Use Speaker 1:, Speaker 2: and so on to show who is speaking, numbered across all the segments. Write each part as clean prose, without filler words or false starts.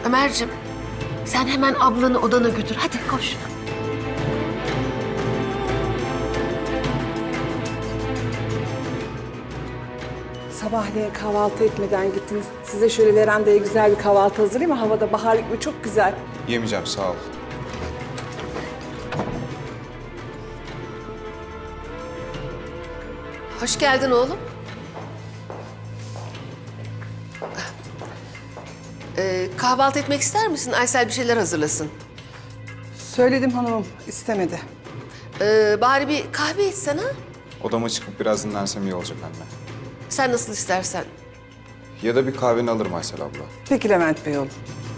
Speaker 1: Ömerciğim, sen hemen ablanı odana götür. Hadi koş.
Speaker 2: Sabahleyin kahvaltı etmeden gittiniz. Size şöyle verandaya güzel bir kahvaltı hazırlayayım mı? Havada bahar gibi çok güzel.
Speaker 3: Yemeyeceğim, sağ ol.
Speaker 1: Hoş geldin oğlum. Kahvaltı etmek ister misin? Aysel bir şeyler hazırlasın.
Speaker 2: Söyledim hanımım, istemedi.
Speaker 1: Bari bir kahve içsen ha?
Speaker 3: Odama çıkıp biraz dinlensem iyi olacak anne.
Speaker 1: Sen nasıl istersen.
Speaker 3: Ya da bir kahveni alırım Aysel abla.
Speaker 2: Peki Levent Bey oğlum.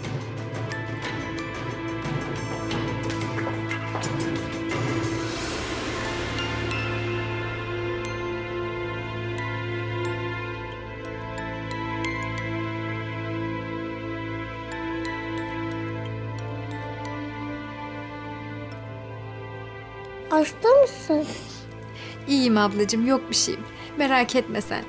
Speaker 4: Hasta mısın?
Speaker 5: İyiyim ablacığım, yok bir şeyim. Merak etme sen.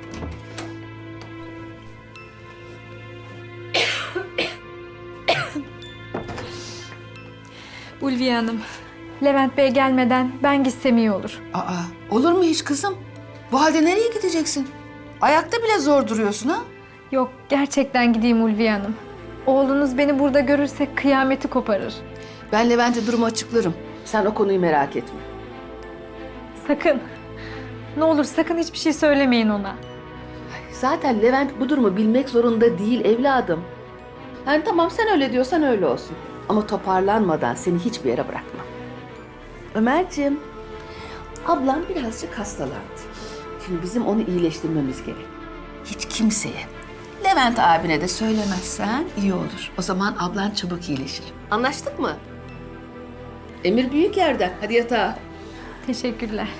Speaker 5: Ulviye Hanım, Levent Bey gelmeden ben gitsem iyi olur.
Speaker 1: Aa, olur mu hiç kızım? Bu halde nereye gideceksin? Ayakta bile zor duruyorsun ha?
Speaker 5: Yok, gerçekten gideyim Ulviye Hanım. Oğlunuz beni burada görürse kıyameti koparır.
Speaker 1: Ben Levent'e durumu açıklarım. Sen o konuyu merak etme.
Speaker 5: Sakın. Ne olur sakın hiçbir şey söylemeyin ona.
Speaker 1: Zaten Levent bu durumu bilmek zorunda değil evladım. Yani tamam sen öyle diyorsan öyle olsun. Ama toparlanmadan seni hiçbir yere bırakmam. Ömerciğim, ablam birazcık hastalandı. Şimdi bizim onu iyileştirmemiz gerek. Hiç kimseye, Levent abine de söylemezsen iyi olur. O zaman ablan çabuk iyileşir. Anlaştık mı? Emir büyük yerden. Hadi yatağa.
Speaker 5: Teşekkürler.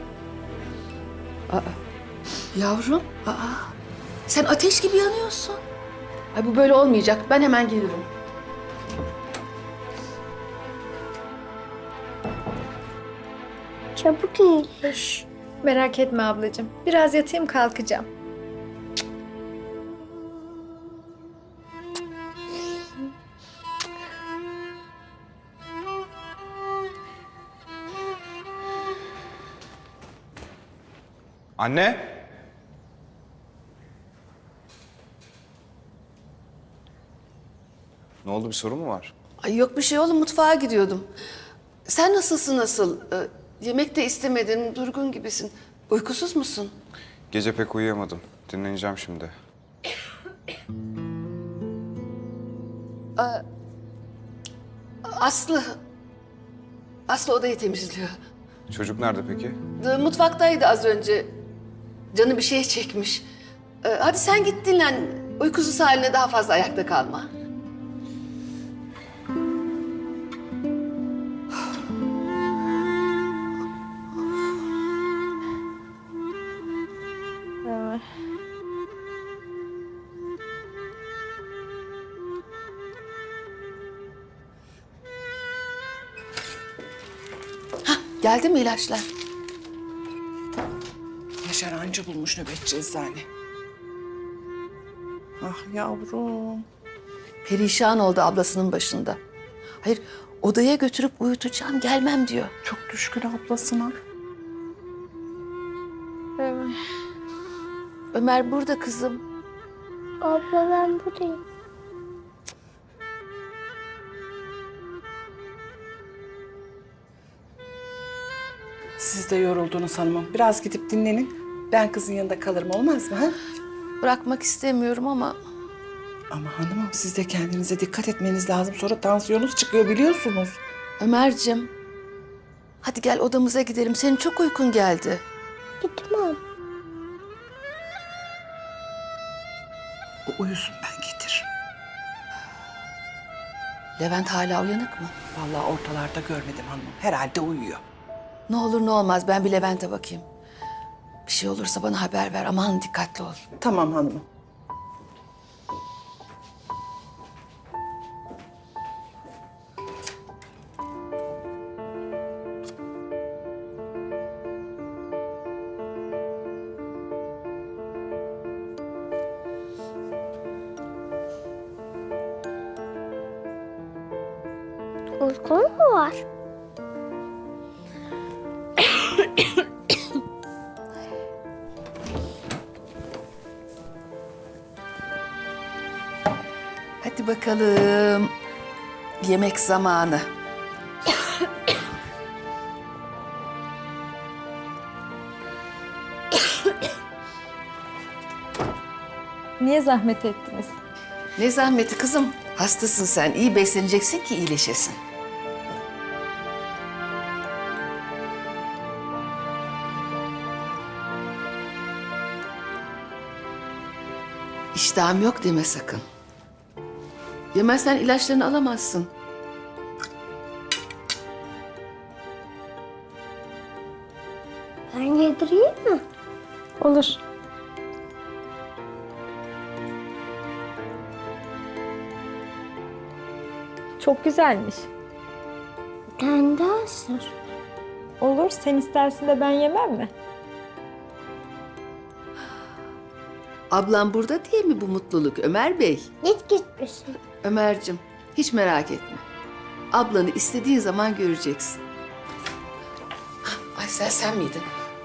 Speaker 1: Yavrum, sen ateş gibi yanıyorsun. Ay bu böyle olmayacak. Ben hemen gelirim.
Speaker 4: Çabuk iyileş.
Speaker 5: Merak etme ablacığım. Biraz yatayım kalkacağım.
Speaker 3: Anne! Ne oldu, bir sorun mu var?
Speaker 1: Ay yok bir şey oğlum, mutfağa gidiyordum. Sen nasılsın nasıl? Yemek de istemedin, durgun gibisin. Uykusuz musun?
Speaker 3: Gece pek uyuyamadım. Dinleneceğim şimdi.
Speaker 1: Aslı. Aslı odayı temizliyor.
Speaker 3: Çocuk nerede peki?
Speaker 1: Mutfaktaydı az önce. Canı bir şey çekmiş. Hadi sen git dinlen. Uykusuz haline daha fazla ayakta kalma. Hah, geldi mi ilaçlar?
Speaker 2: Yaşar anca bulmuş nöbetçi eczane. Ah yavrum.
Speaker 1: Perişan oldu ablasının başında. Hayır, odaya götürüp uyutacağım, gelmem diyor.
Speaker 2: Çok düşkün ablasına.
Speaker 1: Ömer burada kızım.
Speaker 4: Abla ben buradayım.
Speaker 2: Siz de yoruldunuz hanımım. Biraz gidip dinlenin. Ben kızın yanında kalırım, olmaz mı? Ha?
Speaker 1: Bırakmak istemiyorum ama
Speaker 2: Ama hanımım siz de kendinize dikkat etmeniz lazım. Sonra tansiyonunuz çıkıyor biliyorsunuz.
Speaker 1: Ömerciğim, hadi gel odamıza gidelim. Senin çok uykun geldi.
Speaker 4: Gitmem.
Speaker 2: O uyusun, ben getiririm.
Speaker 1: Levent hala uyanık mı?
Speaker 2: Vallahi ortalarda görmedim hanımım. Herhalde uyuyor.
Speaker 1: Ne olur ne olmaz ben bir Levent'e bakayım. Bir şey olursa bana haber ver. Aman dikkatli ol.
Speaker 2: Tamam hanımım.
Speaker 4: Uykun mu var?
Speaker 1: Hadi bakalım. Yemek zamanı.
Speaker 5: Niye zahmet ettiniz?
Speaker 1: Ne zahmeti kızım. Hastasın sen. İyi besleneceksin ki iyileşesin. İştahım yok deme sakın. Yemezsen ilaçlarını alamazsın.
Speaker 4: Ben yedireyim mi?
Speaker 5: Olur. Çok güzelmiş.
Speaker 4: Bir tane daha ısır.
Speaker 5: Olur, sen istersin de ben yemem mi?
Speaker 1: Ablam burada değil mi bu mutluluk Ömer Bey?
Speaker 4: Git gitmesin.
Speaker 1: Ömer'cim hiç merak etme. Ablanı istediğin zaman göreceksin. Aysel sen miydin?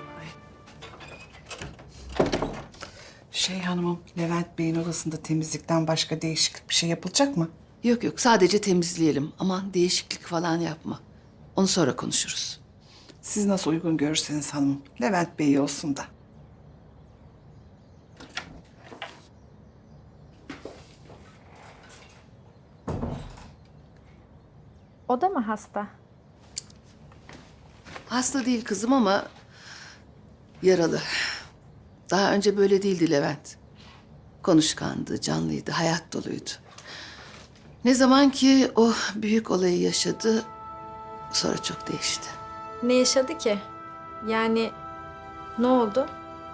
Speaker 2: Hanımım, Levent Bey'in odasında temizlikten başka değişiklik bir şey yapılacak mı?
Speaker 1: Yok yok sadece temizleyelim. Aman değişiklik falan yapma. Onu sonra konuşuruz.
Speaker 2: Siz nasıl uygun görürseniz hanımım. Levent Bey olsun da.
Speaker 5: O da mı hasta?
Speaker 1: Hasta değil kızım ama yaralı. Daha önce böyle değildi Levent. Konuşkandı, canlıydı, hayat doluydu. Ne zaman ki o büyük olayı yaşadı, sonra çok değişti.
Speaker 5: Ne yaşadı ki? Yani ne oldu?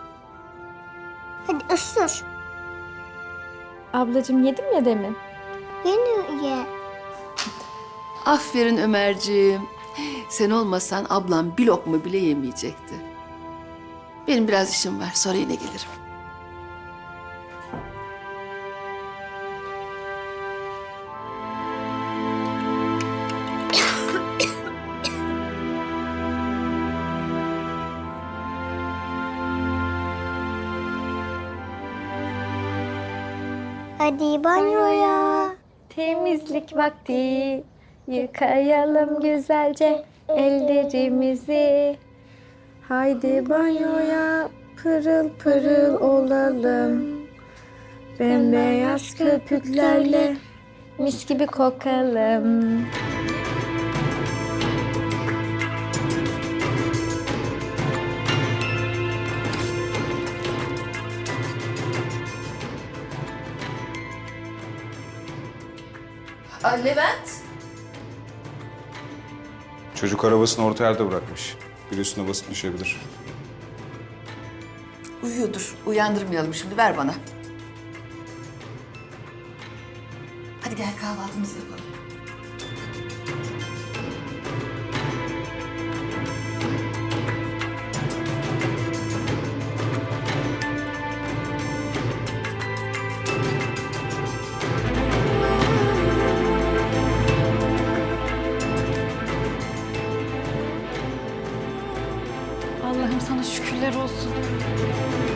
Speaker 4: Hadi ısır.
Speaker 5: Ablacığım yedim ya demin.
Speaker 4: Yine ye.
Speaker 1: Aferin Ömerciğim. Sen olmasan ablam bir lokma bile yemeyecekti. Benim biraz işim var, sonra yine gelirim.
Speaker 4: Hadi banyoya.
Speaker 5: Temizlik vakti. Yıkayalım güzelce ellerimizi. Haydi banyoya pırıl pırıl olalım. Bembeyaz köpüklerle mis gibi kokalım.
Speaker 1: Levent.
Speaker 3: Çocuk arabasını orta yerde bırakmış. Bir üstüne basıp düşebilir.
Speaker 1: Uyuyordur. Uyandırmayalım şimdi. Ver bana. Hadi gel kahvaltımızı yapalım.
Speaker 5: Allah'ım sana şükürler olsun.